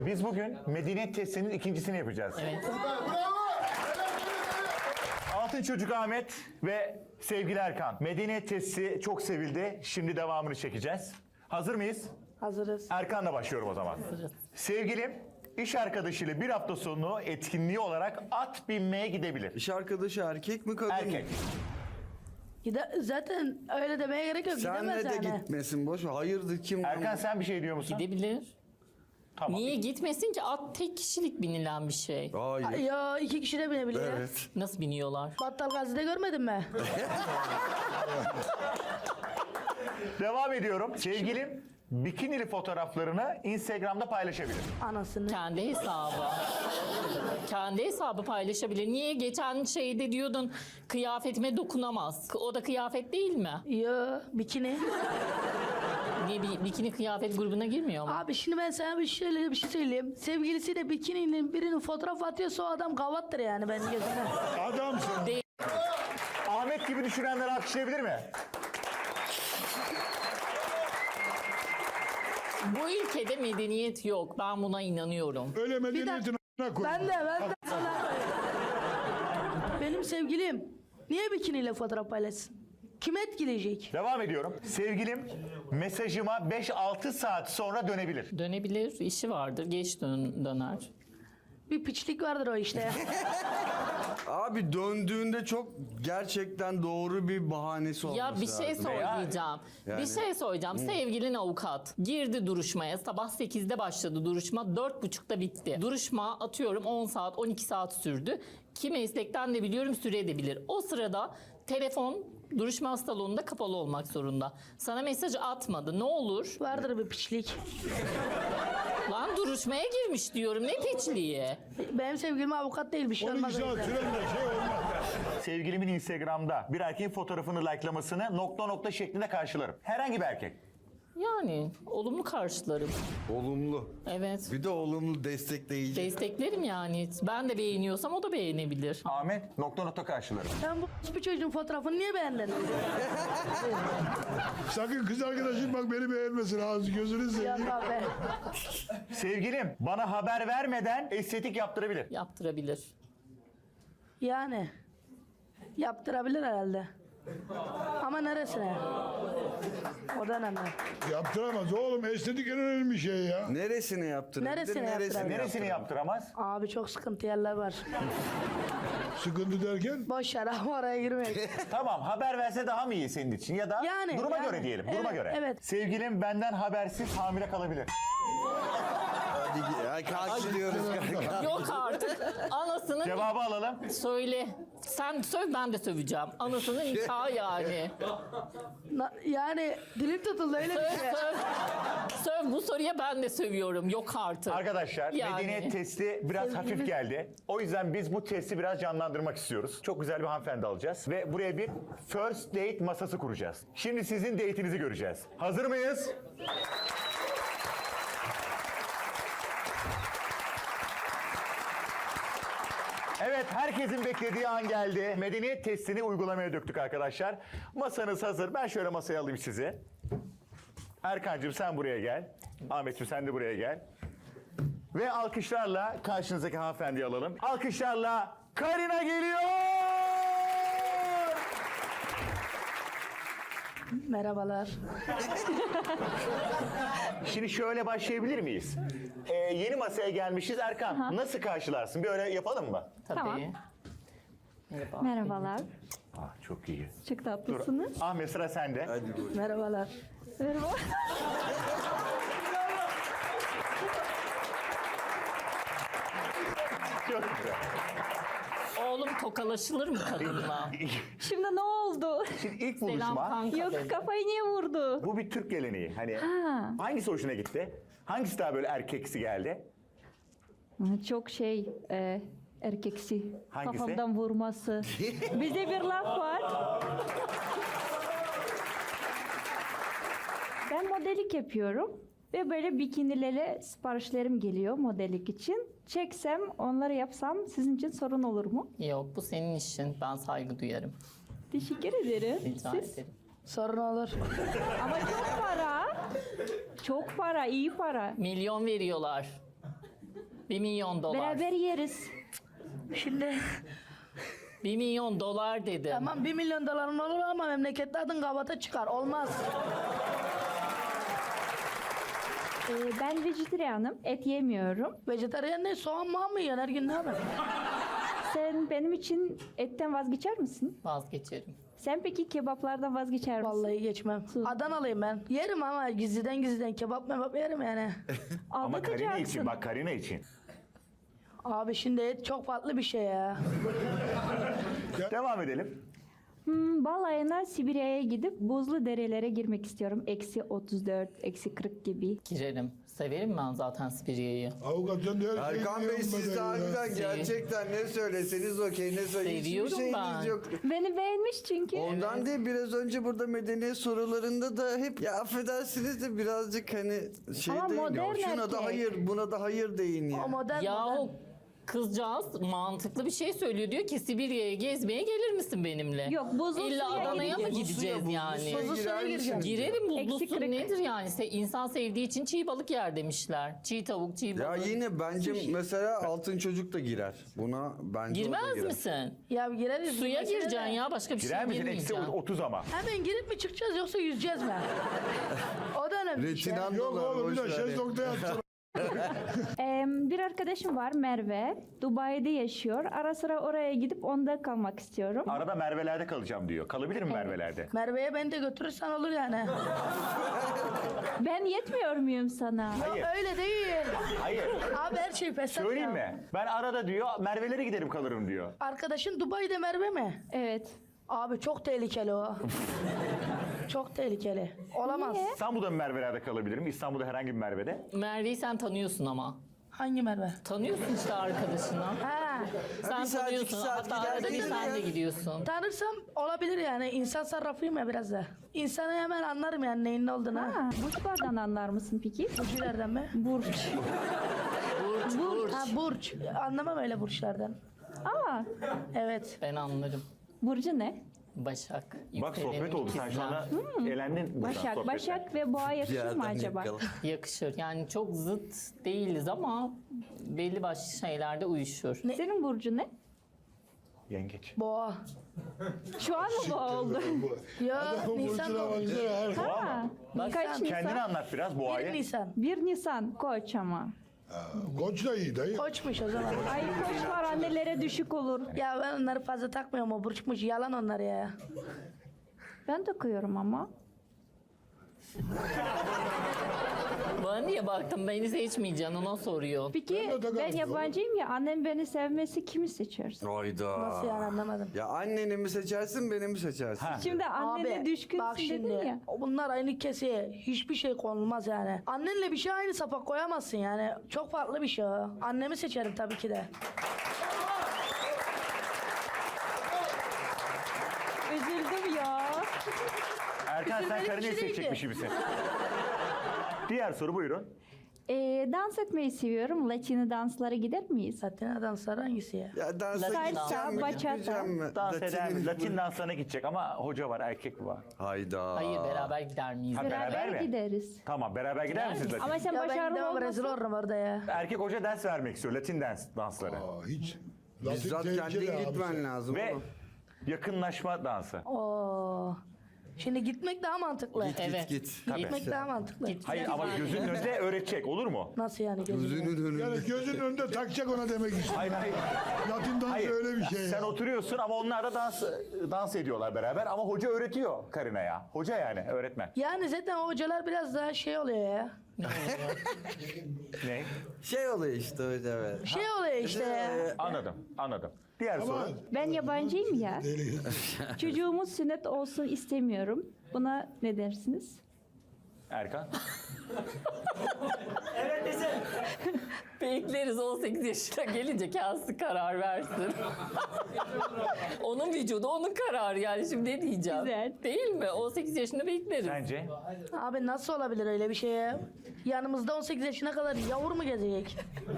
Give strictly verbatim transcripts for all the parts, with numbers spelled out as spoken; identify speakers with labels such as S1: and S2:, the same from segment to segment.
S1: Biz bugün medeniyet testinin ikincisini yapacağız.
S2: Evet.
S1: Altın Çocuk Ahmet ve sevgili Erkan. Medeniyet testi çok sevildi. Şimdi devamını çekeceğiz. Hazır mıyız?
S3: Hazırız.
S1: Erkan'la başlıyorum o zaman.
S2: Hazırız.
S1: Sevgilim iş arkadaşıyla bir hafta sonu etkinliği olarak at binmeye gidebilir.
S4: İş arkadaşı erkek mi kadın mı?
S1: Erkek.
S3: Gide zaten öyle demeye gerek yok.
S4: Senle
S3: Gidemez
S4: de
S3: yani.
S4: gitmesin boş ver. Hayırdır kim?
S1: Erkan sen bir şey diyor musun?
S2: Gidebilir.
S1: Tamam.
S2: Niye gitmesin ki? At tek kişilik binilen bir şey.
S4: Hayır.
S3: Ya iki kişi de binebilir.
S4: Evet.
S2: Nasıl biniyorlar?
S3: Battal Gazi'de görmedin mi?
S1: Devam ediyorum. Sevgilim bikinili fotoğraflarını Instagram'da paylaşabilir.
S3: Anasını.
S2: Kendi hesabı. Kendi hesabı paylaşabilir. Niye? Geçen şeyde diyordun kıyafetime dokunamaz. O da kıyafet değil mi?
S3: Ya bikini.
S2: Niye bir bikini kıyafet grubuna girmiyor mu?
S3: Abi şimdi ben sana bir şöyle bir şey söyleyeyim. Sevgilisiyle bikininin birinin fotoğraf atıyorsa o adam gavattır yani benim gözümden.
S5: Adamsın.
S2: Değil.
S1: Ahmet gibi düşünenler alkışlayabilir mi?
S2: Bu ülkede medeniyet yok. Ben buna inanıyorum.
S5: Öyle medeniyetin a**ına koy.
S3: Ben de ben de sana. Benim sevgilim niye bikiniyle fotoğraf paylaşsın? Kim etkileyecek?
S1: Devam ediyorum. Sevgilim mesajıma beş altı saat sonra dönebilir.
S2: Dönebilir, işi vardır. Geç dön döner.
S3: Bir piçlik vardır o işte ya.
S4: Abi döndüğünde çok gerçekten doğru bir bahanesi olması
S2: Ya bir şey
S4: lazım.
S2: söyleyeceğim.
S4: Yani-
S2: Bir şey söyleyeceğim. Sevgilin avukat. Girdi duruşmaya. Sabah sekizde başladı duruşma. dört buçukta bitti. Duruşma atıyorum on saat, on iki saat sürdü. Ki meslekten de biliyorum süre de bilir. O sırada telefon duruşma salonunda kapalı olmak zorunda. Sana mesaj atmadı. Ne olur?
S3: Vardır bir piçlik.
S2: Lan duruşmaya girmiş diyorum. Ne piçliği?
S3: Benim sevgilim avukat değil bir şey
S5: on iki
S3: olmaz.
S5: saat
S3: öyle.
S5: süren de şey olmaz.
S1: Sevgilimin Instagram'da bir erkeğin fotoğrafını likelamasını nokta nokta şeklinde karşılarım. Herhangi bir erkek.
S2: Yani olumlu karşılarım.
S4: Olumlu.
S2: Evet.
S4: Bir de olumlu destekleyici.
S2: Desteklerim yani. Ben de beğeniyorsam o da beğenebilir.
S1: Ahmet nokta nokta karşılarım.
S3: Sen bu bir çocuğun fotoğrafını niye beğendin?
S5: Sakın kız arkadaşın bak beni beğenmesin ağzı gözünü seveyim.
S3: Ya be.
S1: Sevgilim bana haber vermeden estetik yaptırabilir.
S2: Yaptırabilir.
S3: Yani. Yaptırabilir herhalde. Ama neresine? O da önemli.
S5: Yaptıramaz oğlum, estetik en önemli şey ya.
S4: Neresine yaptırabilir?
S3: Neresine yaptırabilir?
S1: Neresini yaptıramaz?
S3: Abi çok sıkıntı yerler var.
S5: Sıkıntı derken
S3: Boş yer ama oraya girmeyin.
S1: Tamam haber verse daha mı iyi senin için ya da
S3: Yani,
S1: duruma
S3: yani.
S1: göre diyelim duruma
S3: Evet,
S1: göre.
S3: evet.
S1: Sevgilim benden habersiz hamile kalabilir.
S4: Hadi ya karşılıyoruz kanka.
S2: Yok artık. Anasının
S1: Cevabı alalım.
S2: söyle. Sen söv ben de söveceğim. Anasının nikahı yani.
S3: Na- yani dilim tutuldu öyle
S2: Söv
S3: bir şey.
S2: söv. Söv bu soruya ben de sövüyorum. Yok artık.
S1: Arkadaşlar
S2: Yani.
S1: medeniyet testi biraz hafif geldi. O yüzden biz bu testi biraz canlandırmak istiyoruz. Çok güzel bir hanımefendi alacağız. Ve buraya bir first date masası kuracağız. Şimdi sizin date'inizi göreceğiz. Hazır mıyız? Evet, herkesin beklediği an geldi. Medeniyet testini uygulamaya döktük arkadaşlar. Masanız hazır. Ben şöyle masaya alayım sizi. Erkancığım sen buraya gel. Ahmetciğim sen de buraya gel. Ve alkışlarla karşınızdaki hanımefendiyi alalım. Alkışlarla Karina geliyor!
S3: Merhabalar.
S1: Şimdi şöyle başlayabilir miyiz? Ee, yeni masaya gelmişiz. Erkan nasıl karşılarsın? Bir öyle yapalım mı?
S2: Tabii.
S6: Tamam.
S2: Merhaba.
S6: Merhabalar.
S1: Ah, çok iyi.
S6: Çok
S1: Dur.
S6: tatlısınız.
S1: Ahmet sıra sende.
S4: Hadi buyur.
S3: Merhabalar.
S6: Merhaba.
S1: Çok güzel.
S2: Oğlum tokalaşılır mı kadınla?
S6: Şimdi ne oldu?
S1: Şimdi ilk
S2: Selam
S1: buluşma.
S2: kanka.
S6: Yok
S2: dedi.
S6: kafayı niye vurdu?
S1: Bu bir Türk geleneği. Hani
S6: Ha.
S1: hangisi hoşuna gitti? Hangisi daha böyle erkeksi geldi?
S6: Çok şey e, erkeksi.
S1: Hangisi?
S6: Kafamdan vurması. Bizde bir laf var. Ben modelik yapıyorum. Ve böyle bikinilere siparişlerim geliyor modelik için. Çeksem, onları yapsam sizin için sorun olur mu?
S2: Yok bu senin işin. Ben saygı duyarım.
S6: Teşekkür ederim.
S2: Rica
S6: Siz?
S2: ederim.
S3: Sorun olur.
S6: Ama çok para. Çok para, iyi para.
S2: Milyon veriyorlar. Bir milyon dolar.
S6: Beraber yeriz.
S3: Şimdi
S2: Bir milyon dolar dedim.
S3: tamam bir milyon doların olur ama memlekette adın kabata çıkar. Olmaz.
S6: Ee, ben vejetaryenim. Et yemiyorum.
S3: Vejetaryen ne? Soğan mı mı yiyorsun her gün ne yapıyorsun?
S6: Sen benim için etten vazgeçer misin?
S2: Vazgeçerim.
S6: Sen peki kebaplardan vazgeçer misin?
S3: Vallahi geçmem. Adanalıyım ben. Yerim ama gizliden gizliden kebap mebap yerim yani.
S1: Ama Karina için
S6: Aldatacaksın.
S1: bak Karina için.
S3: Abi şimdi et çok farklı bir şey ya.
S1: Devam edelim.
S6: Hmm, balayına Sibirya'ya gidip buzlu derelere girmek istiyorum. Eksi otuz dört, eksi kırk gibi.
S2: Girerim. Severim ben zaten Sibirya'yı.
S5: Avukat sen de her şeyi
S4: Erkan Bey
S5: biliyorsun
S4: siz
S5: be
S4: de
S5: ya.
S4: harbiden gerçekten ne söyleseniz okey, ne söyleseniz hiçbir
S2: Seviyorum
S4: şeyiniz
S2: ben.
S4: yok.
S6: Beni beğenmiş çünkü.
S4: Ondan değil, biraz önce burada medeniyet sorularında da hep ya affedersiniz de birazcık hani şey
S6: Ama
S4: deyin ya,
S6: modern
S4: şuna da
S6: erkek.
S4: hayır buna da hayır deyin ya.
S3: O modern
S2: Ya
S3: modern.
S2: o kızcağız mantıklı bir şey söylüyor. Diyor ki Sibirya'ya gezmeye gelir misin benimle?
S6: Yok, buzlu
S2: İlla
S6: suya
S2: Adana'ya mı
S6: gideceğiz.
S2: gideceğiz
S4: Buzlu suya,
S2: yani?
S4: buzlu suya
S3: Buzlu suya
S4: girer
S3: gireceğim.
S4: misiniz?
S2: Girerim, buzlu
S6: Eksi
S2: su
S6: kırk.
S2: nedir yani? Se- İnsan sevdiği için çiğ balık yer demişler. Çiğ tavuk, çiğ
S4: Ya
S2: balık.
S4: yine bence mesela altın çocuk da girer. Buna bence o da
S2: Girmez
S4: girer.
S2: misin?
S3: Ya gireriz.
S2: Suya
S3: Mesela-
S2: gireceksin ya, başka bir
S1: Girer
S2: şey
S1: misin? Eksi
S2: girmeyeceksin.
S1: otuz ama.
S3: Hemen girip mi çıkacağız yoksa yüzeceğiz mi? O da önemli bir şey.
S4: Retinan
S5: Yok
S4: dolar
S5: oğlum bir de
S4: boş ver.
S5: şezlongda yatsana.
S6: Ee, bir arkadaşım var Merve. Dubai'de yaşıyor. Ara sıra oraya gidip onda kalmak istiyorum.
S1: Arada Merve'lerde kalacağım diyor. Kalabilir mi Merve'lerde?
S3: Merve'ye beni de götürürsen olur yani.
S6: Ben yetmiyor muyum sana?
S1: Hayır.
S3: Öyle değil.
S1: Hayır.
S3: Abi her şey fesat
S1: Söyleyeyim
S3: ya.
S1: mi? Ben arada diyor Merve'lere giderim kalırım diyor.
S3: Arkadaşın Dubai'de Merve mi?
S6: Evet.
S3: Abi çok tehlikeli o. Çok tehlikeli. Olamaz.
S6: Niye?
S1: İstanbul'da mı Merve'lerde kalabilirim? İstanbul'da herhangi bir Merve'de.
S2: Merve'yi sen tanıyorsun ama.
S3: Hangi Merve?
S2: Tanıyorsun işte arkadaşını.
S3: Ha.
S2: Sen
S4: bir saat,
S2: tanıyorsun.
S4: iki saat
S2: Hatta
S4: gider
S2: arada bir
S4: gelir
S2: sen
S4: ya.
S2: de gidiyorsun.
S3: Tanırsam olabilir yani. İnsan sarrafıyım ya biraz da. İnsanı hemen anlarım yani neyin ne olduğunu.
S6: Ha, burçlardan anlar mısın peki?
S3: Burçlardan mı?
S6: Burç.
S2: Burç, burç.
S3: Ha burç. Anlamam öyle burçlardan.
S6: Aa,
S3: Evet.
S2: Ben anlarım.
S6: burcu ne?
S2: Başak.
S1: Bak
S2: yükselenim
S1: sohbet oldu. Sen şu
S2: ikizler.
S1: anda elendin buradan
S6: Başak.
S1: sohbetten.
S6: Başak ve boğa yakışır mı acaba?
S2: Yakışır. Yani çok zıt değiliz ama belli başlı şeylerde uyuşur.
S6: Senin burcu ne?
S1: Yengeç.
S3: Boğa.
S6: Şu an mı boğa oldu?
S3: Ya
S5: Adamın
S3: Nisan
S5: burcuna
S3: doğmuş.
S5: baksana. her-
S6: Ha,
S2: Bak
S6: kaç
S2: sen
S1: Kendini
S6: Nisan?
S1: anlat biraz
S3: Bir
S1: boğayı.
S3: Nisan.
S6: Bir Nisan koç ama.
S5: Koç da iyi dayı.
S3: Koçmuş o zaman.
S6: Ay koçlar annelere düşük olur.
S3: Ya ben onları fazla takmıyorum o burçmuş. Yalan onlar ya.
S6: Ben takıyorum ama.
S2: bana niye baktın? Beni seçmeyeceksin, ona soruyor.
S6: Peki
S5: Ben de takarım.
S6: ben yabancıyım ya, annem beni sevmesi kimi seçersin?
S4: Hayda.
S3: Nasıl yani anlamadım.
S4: Ya anneni mi seçersin beni mi seçersin?
S1: Ha.
S6: Şimdi annene
S3: Abi
S6: düşkünsün
S3: bak şimdi
S6: dedin ya.
S3: bunlar aynı keseye hiçbir şey konulmaz yani. Annenle bir şey aynı sapa koyamazsın yani. Çok farklı bir şey o. Annemi seçerim tabii ki de.
S6: Üzüldüm ya.
S1: Erkan sen
S3: Üzülmelik bir
S1: Karina'yı
S3: şey değil
S1: seçecekmiş
S3: ki.
S1: gibisin. Diğer soru buyurun.
S6: Ee, dans etmeyi seviyorum. Latino danslara gider miyiz?
S3: Zaten danslar hangisi ya?
S4: Ya dansa
S2: Salsa,
S4: gideceğim mi
S6: bachata.
S4: gitmeyeceğim mi?
S1: Dans eder mi?
S4: Latin'in-
S1: Latin danslarına gidecek ama hoca var, erkek var.
S4: Hayda.
S2: Hayır, beraber gider miyiz?
S1: Ha,
S6: Beraber,
S1: beraber mi?
S6: gideriz.
S1: Tamam beraber gider misiniz Latin?
S6: Ama sen
S3: Ya ben
S6: başarılı
S3: gidemem rezil
S6: olmasın.
S3: olurum orada ya.
S1: Erkek hoca ders vermek istiyor, Latin dans, dansları.
S5: Aa, hiç. Latin
S4: Bizzat
S5: tehlikeli
S4: kendin
S5: abi.
S4: gitmen lazım
S1: Ve
S4: oğlum.
S1: yakınlaşma dansı.
S3: Oo. Şimdi gitmek daha mantıklı.
S4: Git
S2: Evet.
S4: git git.
S3: Gitmek daha mantıklı.
S2: Git.
S1: Hayır ama gözünün önünde öğretecek, olur mu?
S3: Nasıl yani gözünü?
S4: Gözünün önünde.
S5: Yani gözünün önünde takacak ona demek istiyor.
S1: Hayır hayır.
S5: Latin dansı
S1: Hayır.
S5: öyle bir şey
S1: Sen
S5: ya.
S1: oturuyorsun ama onlar da dans dans ediyorlar beraber ama hoca öğretiyor Karina'ya. Hoca yani öğretmen.
S3: Yani zaten o hocalar biraz daha şey oluyor ya.
S1: Ne?
S4: Şey oluyor işte öyle evet.
S3: Şey oluyor işte ya.
S1: Anladım, anladım. Diğer
S5: Ama
S1: soru.
S6: Ben yabancıyım ya.
S5: deli.
S6: Çocuğumuz sünnet olsun istemiyorum. Buna ne dersiniz?
S1: Erkan.
S2: Bekleriz on sekiz yaşına gelince kendisi karar versin. Onun vücudu onun kararı yani, şimdi ne diyeceğim?
S6: Güzel.
S2: Değil mi? on sekiz yaşında bekleriz.
S1: Sence?
S3: Abi nasıl olabilir öyle bir şey ya? Yanımızda on sekiz yaşına kadar yavur mu gezecek?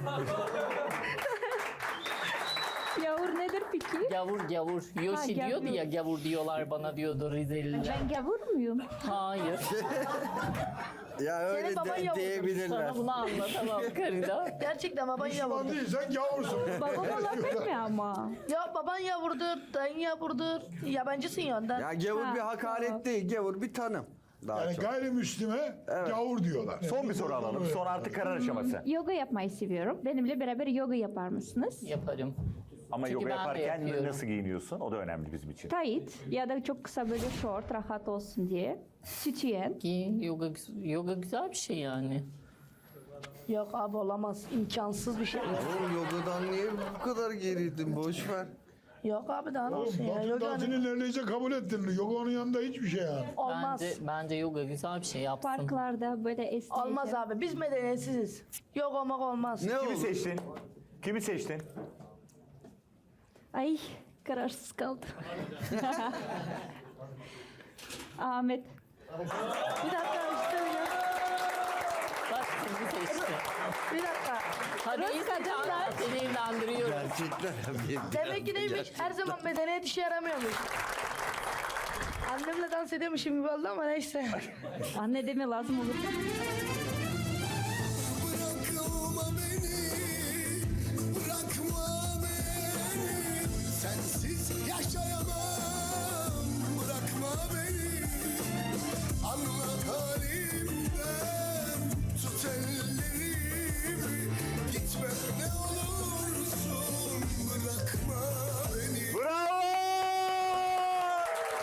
S6: Yavur nedir peki?
S2: Gavur gavur. Yoshi
S6: Ha,
S2: diyordu
S6: gavur.
S2: ya, gavur diyorlar bana diyordu Rizeliler.
S6: Ben gavur muyum?
S2: Hayır.
S4: Ya öyle
S3: Senin baban
S4: de,
S3: yavrudur.
S4: diyebilirler.
S2: Sana bunu anlatamam karıda.
S3: Gerçekten baban
S5: Müslüman
S3: yavrudur.
S5: değilsen gavursun.
S6: Babam olabilir mi ama?
S3: Ya baban yavrudur, dayın yavrudur. Yabancısın ya ondan.
S4: Ya gavur
S6: Ha,
S4: bir hakaret
S6: tamam.
S4: değil, gavur bir tanım. Daha
S5: Yani
S4: çok.
S5: gayrimüslime gavur diyorlar.
S1: Son bir soru alalım. Sonra artık karar aşaması.
S6: Yoga yapmayı seviyorum. Benimle beraber yoga yapar mısınız?
S2: Yaparım.
S1: Ama
S2: Çünkü
S1: yoga
S2: ben de
S1: yaparken
S2: yapıyorum.
S1: nasıl giyiniyorsun? O da önemli bizim için.
S6: Tight ya da çok kısa böyle short rahat olsun diye. Sütyen.
S2: Ki yoga, yoga güzel bir şey yani.
S3: Yok abi olamaz. İmkansız bir şey.
S4: Oğlum yogadan niye bu kadar geriydin? Boş ver.
S3: Yok abi daha ne olsun ya.
S5: Batı
S3: Yoga
S5: dansını neredeyse kabul ettin. Yoga onun yanında hiçbir şey yani.
S3: olmaz.
S2: Bence, bence yoga güzel bir şey yapsın.
S6: Parklarda böyle esneyeceğim.
S3: Olmaz abi. Biz medeniyetsiziz. Yok olmak olmaz.
S4: Ne
S1: Kimi
S4: oldu?
S1: seçtin? Kimi seçtin?
S6: Ay kararsız kaldım. Ahmet.
S3: Bir dakika işte ya.
S2: Bak sizi seçti.
S3: Bir dakika.
S2: Hadi iyisi Canan seni evlendiriyorum.
S4: Gerçekten.
S3: Demek ki neymiş? Her zaman medeniyet işe yaramıyormuş. Annemle dans ediyormuşum gibi oldu ama neyse.
S6: Anne deme lazım olur.
S7: Bırakma beni, bırakma beni. Sensiz yaşayamam.